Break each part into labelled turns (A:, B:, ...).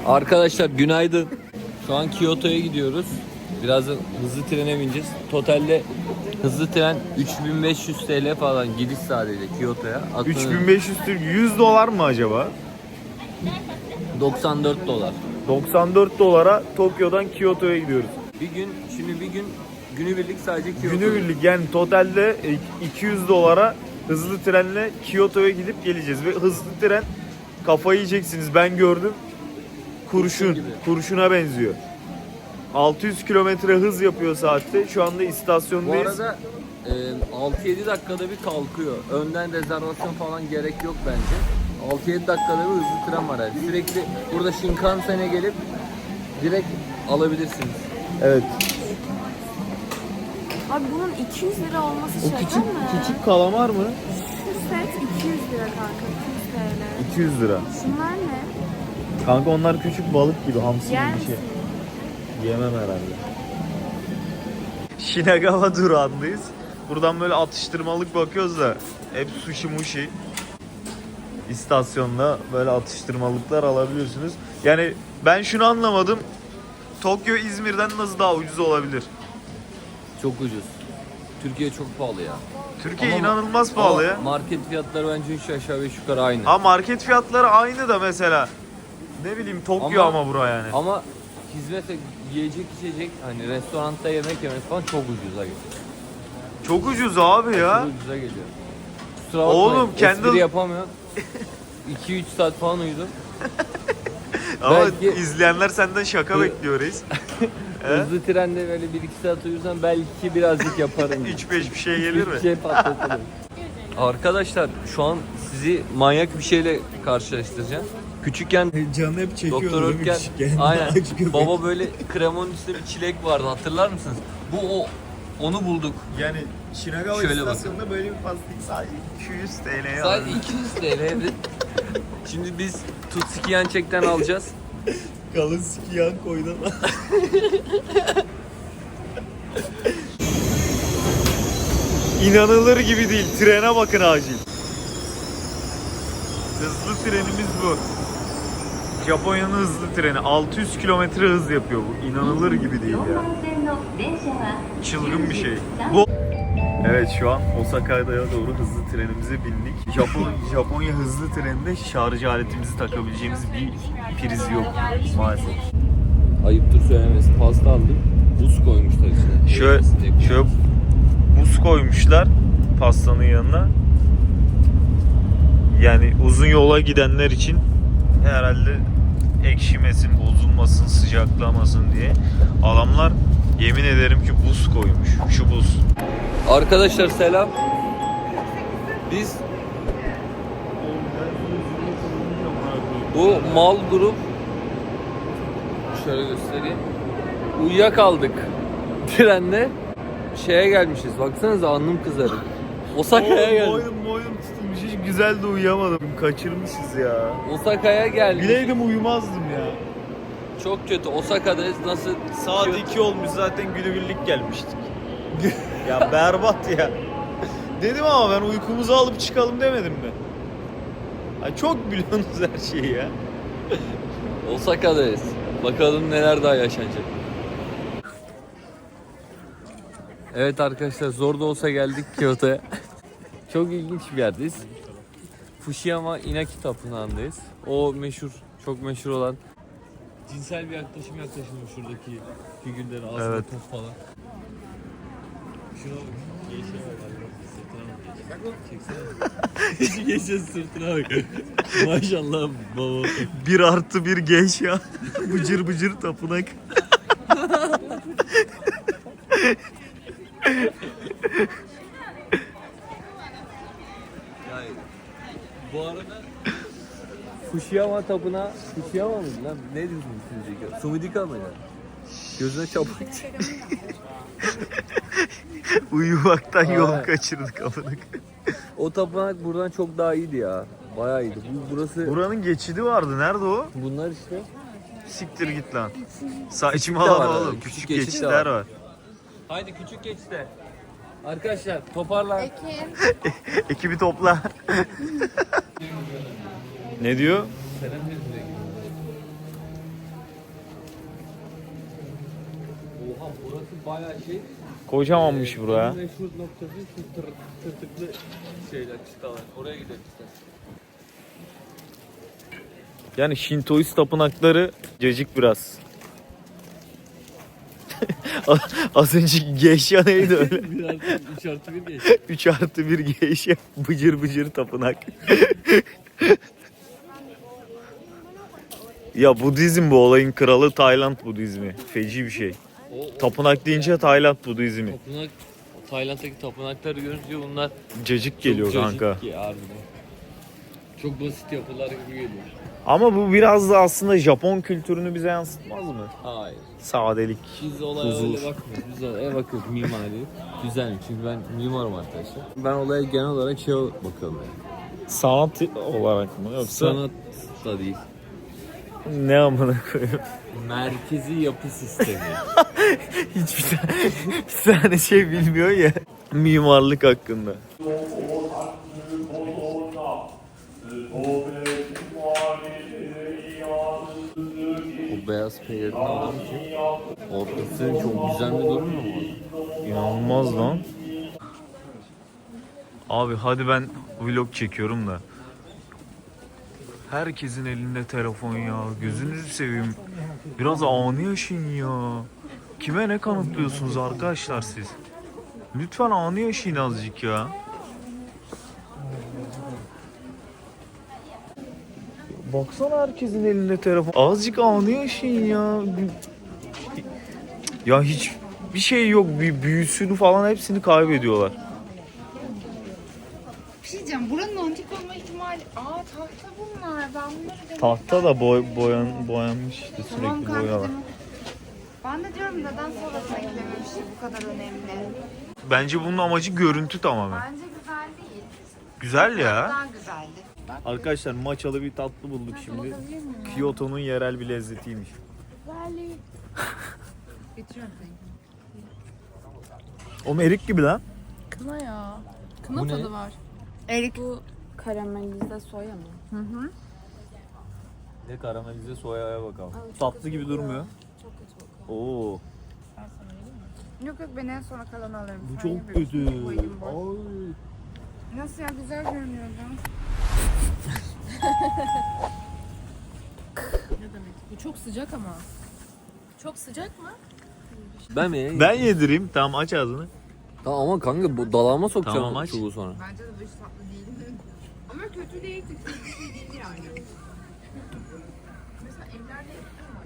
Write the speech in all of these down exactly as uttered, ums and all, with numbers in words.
A: Arkadaşlar günaydın. Şu an Kyoto'ya gidiyoruz. Birazdan hızlı trene bineceğiz. Totalde hızlı tren üç bin beş yüz T L falan gidiş sadece Kyoto'ya.
B: üç bin beş yüz Türk yüz dolar mı acaba?
A: doksan dört dolar.
B: doksan dört dolara Tokyo'dan Kyoto'ya gidiyoruz.
A: Bir gün şimdi bir gün günübirlik sadece Kyoto.
B: Günübirlik yani totalde iki yüz dolara hızlı trenle Kyoto'ya gidip geleceğiz ve hızlı tren kafayı yiyeceksiniz, ben gördüm. Kurşun, kurşuna benziyor. altı yüz kilometre hız yapıyor saatte. Şu anda
A: Bu
B: istasyondayız.
A: arada e, altı yedi dakikada bir kalkıyor. Önden rezervasyon falan gerek yok bence. altı yedi dakikada bir hızlı tren var yani. Sürekli burada Shinkansen'e gelip direkt alabilirsiniz.
B: Evet.
C: Abi bunun iki yüz lira olması
B: O
C: şaka
B: küçük
C: mı?
B: küçük kalamar mı?
C: Şu set iki yüz lira kanka. iki yüz T L.
B: iki yüz lira.
C: Şunlar ne?
B: Kanka onlar küçük balık gibi, hamsi gibi
C: Yer
B: bir şey.
C: misin?
B: Yemem herhalde. Shinagawa durağındayız. Buradan böyle atıştırmalık bakıyoruz da hep sushi mushi. İstasyonda böyle atıştırmalıklar alabiliyorsunuz. Yani ben şunu anlamadım. Tokyo İzmir'den nasıl daha ucuz olabilir?
A: Çok ucuz. Türkiye çok pahalı ya.
B: Türkiye
A: Ama-
B: inanılmaz pahalı
A: Ama
B: ya.
A: market fiyatları bence üç aşağı beş yukarı aynı.
B: Ha market fiyatları aynı da mesela. Ne bileyim Tokyo ama,
A: Ama-
B: bura yani.
A: Ama hizmet, yiyecek içecek hani restoranda yemek yemek falan çok ucuza geliyor.
B: Çok ucuz abi ya.
A: Çok ucuza geliyor. Kusura bakmayın.
B: Oğlum,
A: Espri
B: Kendall-
A: yapamıyorum. iki üç saat falan uyudum.
B: Ama
A: belki-
B: izleyenler senden şaka
A: Hı.
B: bekliyor reis. He?
A: Hızlı trende böyle bir iki saat uyursam belki birazcık yaparım.
B: üç beş bir şey gelir mi?
A: Bir şey patlatırım. Arkadaşlar şu an sizi manyak bir şeyle karşılaştıracağım. Küçükken
B: Canı hep çekiyor.
A: Doktor Ötken aynen baba böyle kremonun üstünde bir çilek vardı, hatırlar mısınız? Bu o onu bulduk.
B: Yani Shinagawa
A: Şöyle
B: istasyonunda böyle bir pastik sadece iki yüz T L'ye
A: Sadece iki yüz T L'ydi. Şimdi biz Tutsuki çekten alacağız.
B: Kalın sikiyan koydan. İnanılır gibi değil. Trene bakın acil. Hızlı trenimiz bu. Japonya'nın hızlı treni. altı yüz kilometre hız yapıyor bu. İnanılır gibi değil ya. Çılgın bir şey. Bu Evet, şu an Osaka'ya doğru hızlı trenimize bindik. Japon, Japonya hızlı treninde şarj aletimizi takabileceğimiz bir priz yok maalesef.
A: Ayıptır söylemesi, pasta aldım. Buz koymuşlar içine.
B: Şöyle, şöyle buz koymuşlar pastanın yanına. Yani uzun yola gidenler için herhalde ekşimesin, bozulmasın, sıcaklamasın diye. Adamlar yemin ederim ki buz koymuş. Şu buz.
A: Arkadaşlar selam. Biz bu mal grup şöyle göstereyim. Uyuyakaldık trenle şeye gelmişiz. Baksanıza alnım kızarık. Osaka'ya geldik.
B: Boynum boynum tutulmuş. Hiç güzel de uyuyamadım. Kaçırmışız ya.
A: Osaka'ya geldik.
B: Bileydim uyumazdım ya.
A: Çok kötü. Osaka'dayız. Nasıl?
B: Saat iki olmuş zaten, günübirlik gelmiştik. Ya berbat ya. Dedim ama ben uykumuzu alıp çıkalım demedim mi? Ay çok biliyorsunuz her şeyi ya.
A: Osaka'dayız. Bakalım neler daha yaşanacak. Evet arkadaşlar, zor da olsa geldik Kyoto'ya. Çok ilginç bir yerdeyiz. Fushiyama Inaki Tapınağı'ndayız. O meşhur, çok meşhur olan cinsel bir yaklaşım yaklaşılmış şuradaki figürleri, ağzında
B: Evet.
A: top falan. Şuna bak, gençliğe bak, sırtına bak. Çeksene. Şu gençlerin sırtına bak. Maşallah baba.
B: Bir artı bir genç ya. Bıcır bıcır tapınak.
A: Yani bu arada Fushiyama tapınağı, Fushiyama mıydı lan? Ne diyorsunuz siz? Sumidika mı ya? Gözüne çapak.
B: Uyumaktan yol
A: Aa.
B: kaçırdık amına.
A: O tapınak buradan çok daha iyiydi ya. Bayağı iyiydi. Bu, burası
B: Buranın geçidi vardı. Nerede o?
A: bunlar işte.
B: Siktir git lan. Saçma
A: de var
B: alama
A: öyle,
B: oğlum.
A: küçük
B: Küçük
A: geçit de
B: geçitler
A: var.
B: var.
A: Haydi küçük geçte. Arkadaşlar toparlan.
C: Ekim.
B: Ekibi topla. Ne diyor?
A: Selam verin. Aha burası bayağı şey.
B: Kocamanmış buraya.
A: Meşhur noktası şu tır, tırtıklı şeyler, çıtalar. Oraya gidelim istersen.
B: Yani Şintoist tapınakları cacık biraz. Az önceki geisha neydi öyle?
A: Bir artı, üç artı bir geç.
B: üç artı bir geisha bıcır bıcır tapınak. Ya Budizm bu olayın kralı, Tayland Budizmi. Feci bir şey.
A: O, o
B: Tapınak deyince Tayland Budizmi.
A: tapınak, Tayland'daki tapınakları görünce bunlar
B: Cacık
A: çok
B: geliyor
A: cacık
B: kanka.
A: ki harbiden. Çok basit yapılar gibi geliyor.
B: Ama bu biraz da aslında Japon kültürünü bize yansıtmaz mı?
A: Hayır.
B: Sadelik.
A: Biz olaya
B: Huzur.
A: öyle bakmıyoruz. Biz olaya bakıyoruz mimari. Güzel çünkü ben mimarım arkadaşlar. Ben olaya genel olarak şey bakıyorum yani.
B: Sanat olarak mı yoksa
A: Sanat da değil.
B: ne amına koyayım?
A: Merkezi yapı sistemi.
B: Hiçbir tane, bir tane şey bilmiyor ya mimarlık hakkında.
A: Bu beyaz peynirin olduğu için ortası çok güzel bir durum mu var?
B: İnanılmaz lan. Abi hadi ben vlog çekiyorum da. Herkesin elinde telefon ya. Gözünüzü seveyim. Biraz anı yaşayın ya. Kime ne kanıtlıyorsunuz arkadaşlar siz? Lütfen anı yaşayın azıcık ya. Baksana herkesin elinde telefon. Azıcık anı yaşayın ya. Ya hiç bir şey yok. Bir büyüsünü falan hepsini kaybediyorlar.
C: Bir şey diyeceğim. Buranın antik olma ihtimali... Aa tahta bunlar. Ben bunları demek...
B: Tahta da boy, boyan, boyanmış işte
C: Tamam
B: sürekli
C: kanka
B: boyalar.
C: demek. Ben de diyorum neden sonrasına eklememişti bu kadar önemli.
B: Bence bunun amacı görüntü tamamen.
C: Bence güzel değil.
B: Güzel ya.
C: Daha güzeldi.
B: Arkadaşlar maçalı bir tatlı bulduk şimdi. Kyoto'nun yerel bir lezzetiymiş.
C: Güzelliği. Getiriyorum seni.
B: O erik gibi lan.
D: Kına ya. Kına
A: Bu ne?
D: tadı var.
C: Erik.
D: Bu karamelize soya mı?
C: Hı hı.
B: Ne karamelize soyaya bakalım.
D: Abi çok
B: Tatlı
D: kötü
B: gibi
D: kokuyor.
B: durmuyor.
D: Çok kötü kokuyor.
B: Oo.
C: Yok yok ben en sona kalanı alırım.
B: Bu
C: Sen
B: çok
C: ye
B: kötü.
C: bir- boyun boş.
B: Ay.
C: Nasıl ya güzel görünüyordu.
D: Ne demek? Bu çok sıcak ama. Çok sıcak mı?
A: Ben mi?
B: Ben yedireyim. Tamam aç ağzını.
A: Tamam ama kanka bu dalağıma sokacağım
B: Tamam, aç.
A: çubuğu sonra.
C: Bence de bu hiç tatlı değil. Ama kötü değil. Kötü bir şey değil yani. Mesela evlerde yapıyor mu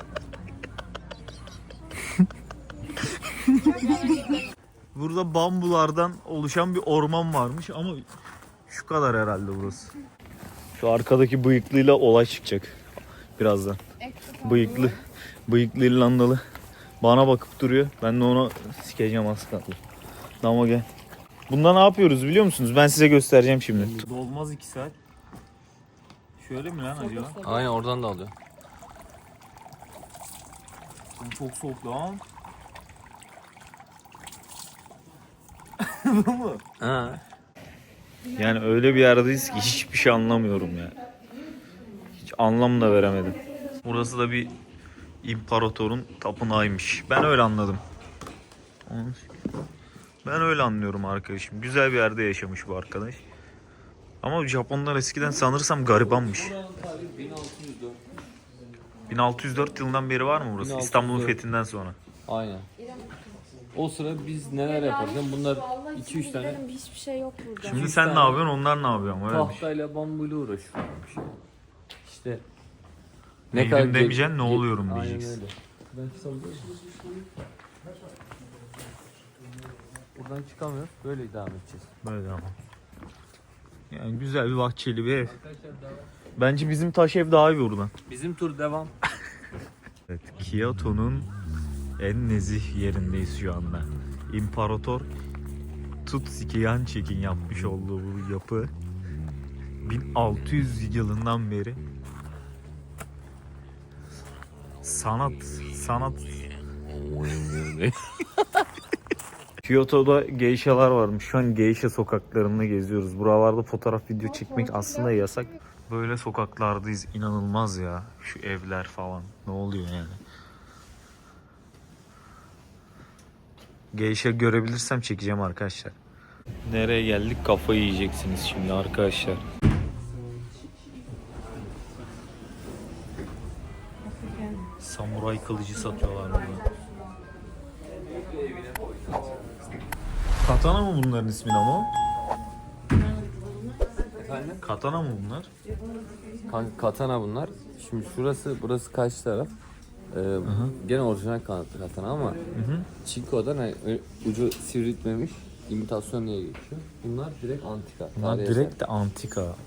C: acaba?
B: Burada bambulardan oluşan bir orman varmış ama şu kadar herhalde burası. Şu arkadaki bıyıklıyla olay çıkacak birazdan. Bıyıklı, bıyıklı İrlandalı bana bakıp duruyor. Ben de ona sikeceğim az kaldı. Ama gel. Bunda ne yapıyoruz biliyor musunuz? Ben size göstereceğim şimdi. Dolmaz iki saat. Şöyle mi lan acaba?
A: Aynen oradan da alıyor.
B: Çok soğuk lan. Bu mu?
A: Ha.
B: Yani öyle bir yerdeyiz ki hiçbir şey anlamıyorum ya. Hiç anlam da veremedim. Burası da bir imparatorun tapınağıymış. Ben öyle anladım. Ben öyle anlıyorum arkadaşım. Güzel bir yerde yaşamış bu arkadaş. Ama Japonlar eskiden sanırsam garibanmış.
A: bin altı yüz dört.
B: bin altı yüz dört yılından beri var mı burası?
A: bin altı yüz dört.
B: İstanbul'un fethinden sonra.
A: Aynen. O sıra biz neler yaparken bunlar
D: Vallahi
A: iki üç tane
D: sinirlerim, hiçbir şey yok burada.
B: Şimdi
A: Üç
B: sen
A: tane
B: ne yapıyorsun, onlar ne yapıyor ama öyle bir şey.
A: tahtayla bambuyla uğraşıyormuş. İşte
B: Neydim demeyeceksin,
A: ge-
B: ne oluyorum
A: Aynen
B: diyeceksin.
A: öyle. Ben çıkabiliyor muyum? Buradan çıkamıyoruz. Böyle devam edeceğiz.
B: Böyle ama. Yani güzel bir bahçeli bir ev.
A: Arkadaşlar devam.
B: Bence bizim taş ev daha iyi buradan.
A: Bizim tur devam.
B: Evet, Kyoto'nun en nezih yerindeyiz şu anda. İmparator Tutsuki Yanchek'in yapmış olduğu bu yapı bin altı yüz yılından beri sanat sanat Kyoto'da geishalar varmış. Şu an geisha sokaklarında geziyoruz. Buralarda fotoğraf video çekmek aslında yasak. Böyle sokaklardayız. İnanılmaz ya. Şu evler falan. Ne oluyor yani? Geisha görebilirsem çekeceğim arkadaşlar. Nereye geldik? Kafayı yiyeceksiniz şimdi arkadaşlar. Samuray kılıcı satıyorlar burada. Katana mı bunların ismi ama?
A: Efendim?
B: Katana mı bunlar?
A: Kanka katana bunlar. Şimdi şurası, burası kaç taraf? Ee, gene orijinal kanatlı katana ama Çinko'dan hani ucu sivriltmemiş imitasyon diye geçiyor. Bunlar direkt antika.
B: Bunlar
A: tarihi
B: direkt
A: eser.
B: de antika. Oo.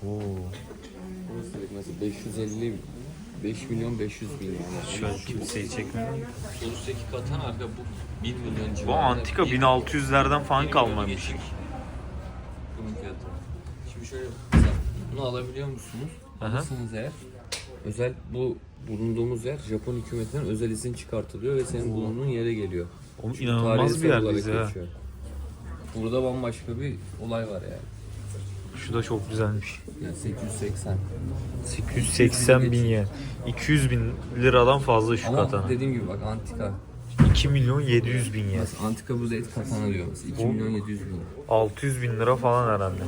A: Burası direkt mesela beş yüz elli beş milyon beş yüz bin yani.
B: Şöyle kimseyi çekmiyor.
A: Üstteki katana arka bu bir milyon
B: Bu
A: civarında.
B: antika bin altı yüzlerden falan kalmamış.
A: Bunun fiyatı. Şimdi şöyle mesela bunu alabiliyor musunuz?
B: Aha.
A: Alırsanız eğer özel bu bulunduğumuz yer Japon hükümetinden özel izin çıkartılıyor ve senin bulunduğun yere geliyor.
B: Oğlum
A: Çünkü
B: inanılmaz
A: tarihsel
B: bir
A: olarak
B: yerdeyiz ha.
A: geçiyor. Burada bambaşka bir olay var yani.
B: Şu da çok güzelmiş.
A: Yani sekiz yüz seksen.
B: sekiz yüz seksen bin yen. iki yüz bin liradan fazla şu
A: Ama
B: katana.
A: dediğim gibi bak antika.
B: iki milyon yedi yüz bin yen.
A: Mesela antika buz et katana diyor mesela. iki milyon yedi yüz bin.
B: altı yüz bin lira falan herhalde.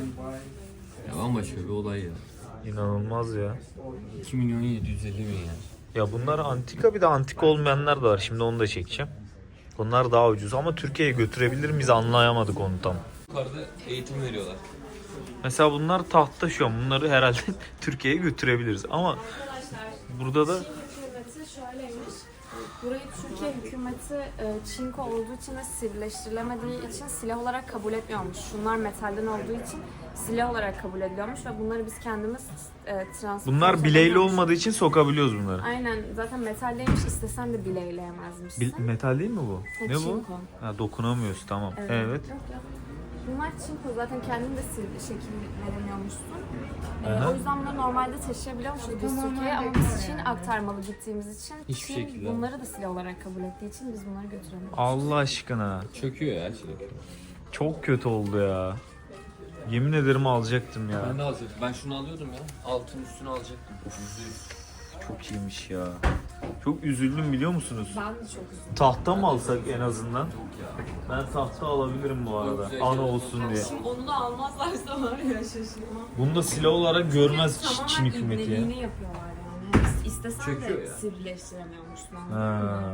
A: Ya bambaşka bir olay ya.
B: İnanılmaz ya.
A: iki milyon yedi yüz elli bin yani.
B: Ya bunlar antika, bir de antika olmayanlar da var. Şimdi onu da çekeceğim. Bunlar daha ucuz ama Türkiye'ye götürebilir miyiz anlayamadık onu tam.
A: Yukarıda eğitim veriyorlar.
B: Mesela bunlar tahta şu an. Bunları herhalde Türkiye'ye götürebiliriz ama burada da
E: Hükümeti şöyleymiş. Burayı Türkiye hükümeti e, çinko olduğu için ve sivrileştirilemediği için silah olarak kabul etmiyormuş. Şunlar metalden olduğu için silah olarak kabul ediliyormuş ve bunları biz kendimiz e, transport
B: bunlar bileğli olmadığı için sokabiliyoruz bunları.
E: Aynen, zaten metaldeymiş, istesen de bileyleyemezmişsin.
B: Bil- metal değil mi bu?
E: Ha,
B: Ne bu?
E: çinko.
B: Ha, dokunamıyoruz tamam. Evet.
E: Evet. Yok, yok. Bunlar çinko, zaten kendin de sil- şekil veremiyormuşsun. Ee,
B: Aha.
E: o yüzden bunları normalde taşıyabiliyormuşuz biz Türkiye'ye ama biz Çin aktarmalı gittiğimiz için
A: Hiçbir
E: Çin
A: şekilde.
E: bunları da silah olarak kabul ettiği için biz bunları götüremiyoruz.
B: Allah aşkına.
A: Çöküyor ya şey.
B: Çok kötü oldu ya. Yemin ederim alacaktım ya.
A: Ben de alacaktım. Ben şunu alıyordum ya. Altın üstünü alacaktım. Yüzde yüz.
B: Çok iyiymiş ya. Çok üzüldüm biliyor musunuz?
E: Ben de çok üzüldüm.
B: Tahta mı alsak en azından? Ben tahta alabilirim bu arada. Ana olsun diye.
E: Şimdi onu da almazlarsa var ya, şaşırmam.
B: Bunu da silah olarak görmez Çin
E: Tamamen
B: hükümeti ya.
E: ibneliğini yapıyorlar yani. İs- İstesen
A: Çöküyor
E: de
A: ya.
E: sivrileştiremiyormuşsun.
B: Ha.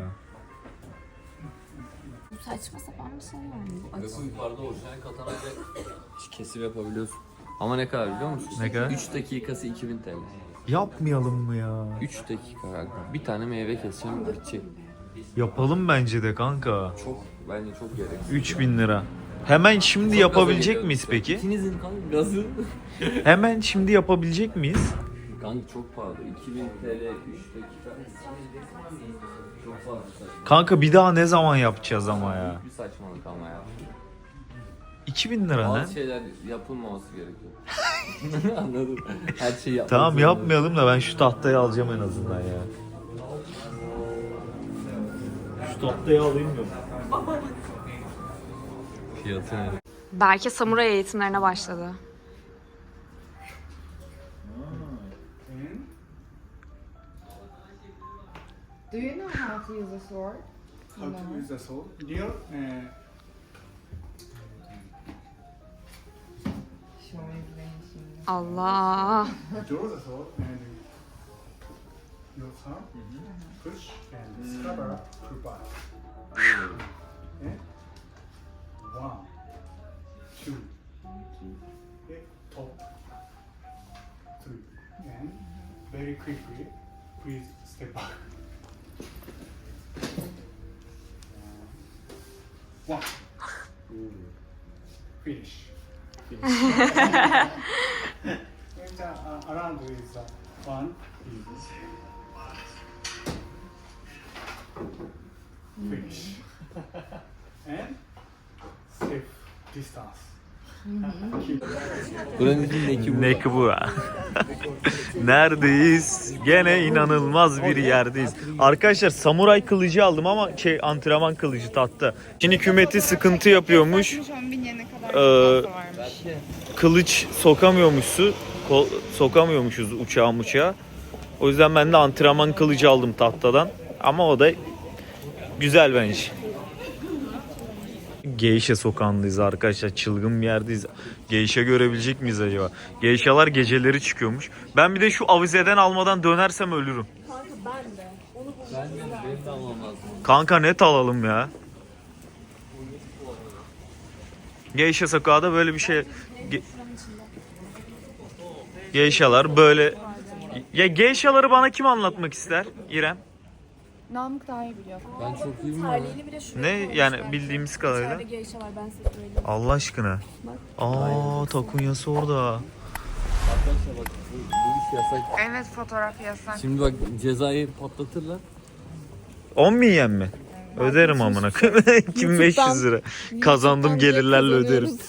E: Bu saçma sapan bir şey yani. Bu
A: Ve
E: açı.
A: bu yukarıda orijinal katanayla kesim yapabiliyorsun. Ama ne kadar biliyor musun?
B: Ne kadar?
A: üç dakikası iki bin T L.
B: Yapmayalım mı ya?
A: üç dakika kanka. Bir tane meyve keseceğim bitecek.
B: Yapalım bence de kanka.
A: Çok bence çok gereksiz.
B: üç bin lira. Hemen şimdi
A: Çok
B: yapabilecek
A: gaza
B: miyiz
A: geliyor.
B: peki?
A: İkinizin kanka gazı.
B: Hemen şimdi yapabilecek miyiz?
A: Kanka çok pahalı. iki bin T L üç dakika. Çok pahalı.
B: Kanka bir daha ne zaman yapacağız ama ya?
A: Bir saçmalık ama ya.
B: iki bin lira ne?
A: Bazı şeyler yapılmaması gerekiyor. Anladın mı? Her şeyi yapmak
B: Tamam
A: zorunda.
B: yapmayalım da ben şu tahtayı alacağım en azından ya. Şu tahtayı alayım mı?
A: Fiyatı ne?
E: Berke samuray eğitimlerine başladı.
C: Do you know how to use a sword?
F: How to use the sword? Near uh,
C: Şöyle şimdi.
E: Allah.
F: draw the sword and your thumb push and scatter pull back. Okay? One, two, okay, top, three, and very quickly, please step back. One. Finish. Finish. And, uh, around is uh, one. Finish. And safe distance. Keep
A: Buranın içindeki bu.
B: Ne ki bu ha? Neredeyiz? Gene inanılmaz bir yerdeyiz. Arkadaşlar samuray kılıcı aldım ama şey antrenman kılıcı tahta. Çin hükümeti sıkıntı yapıyormuş.
C: on bin yene kadar
B: Ee,
C: fazla varmış.
B: Kılıç sokamıyormuşsu, kol, sokamıyormuşuz uçağa uçağa. O yüzden ben de antrenman kılıcı aldım tahtadan. Ama o da güzel bence. Geisha sokağındayız arkadaşlar. Çılgın bir yerdeyiz. Geisha görebilecek miyiz acaba? Geishalar geceleri çıkıyormuş. Ben bir de şu avizeden almadan dönersem ölürüm.
A: Ben de benim de almam lazım.
B: Kanka net alalım ya. Geisha sokağı da böyle bir şey. Ge- Geishalar böyle. Ya geishaları bana kim anlatmak ister? İrem.
D: Namık daha iyi biliyor.
A: Ben çok iyi bilmiyorum.
D: Terliğini bile şuraya
B: Ne
D: koymuşlar.
B: yani bildiğimiz kadarıyla.
D: İçeride geyşe var ben size söyleyeyim.
B: Allah aşkına. Aa takunyası orada.
A: Arkadaşlar bak bu, bu iş yasak.
C: Evet, fotoğraf yasak.
A: Şimdi bak cezayı patlatırlar.
B: on bin yen mi? Öderim amına koyayım. iki bin beş yüz lira. Kazandım gelirlerle öderim.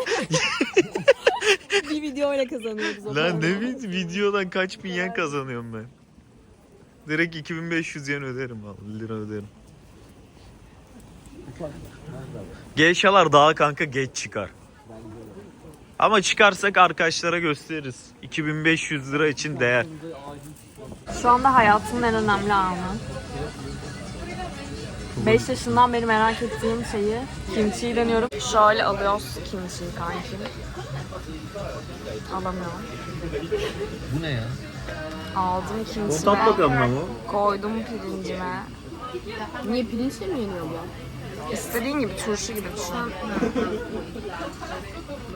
D: Bir video öyle kazanıyoruz. o
B: Lan
D: parayı.
B: ne vid- videodan kaç bin yen kazanıyorum ben. Direkt iki bin beş yüz yen öderim vallahi, lira öderim. Geishalar daha kanka geç çıkar. Ama çıkarsak arkadaşlara gösteririz. iki bin beş yüz lira için değer.
E: Şu anda hayatımın en önemli anı. beş yaşından beri merak ettiğim şeyi kimchiyi deniyorum. Şöyle alıyoruz kimchiyi kankim. Alamıyorum.
A: Bu ne ya?
E: Aldım kimchimi.
B: Tat bakalım ama.
E: Koydum pirincime.
D: Niye pirinçle mi yeniyor bu?
E: İstediğin gibi turşu gibi düşün.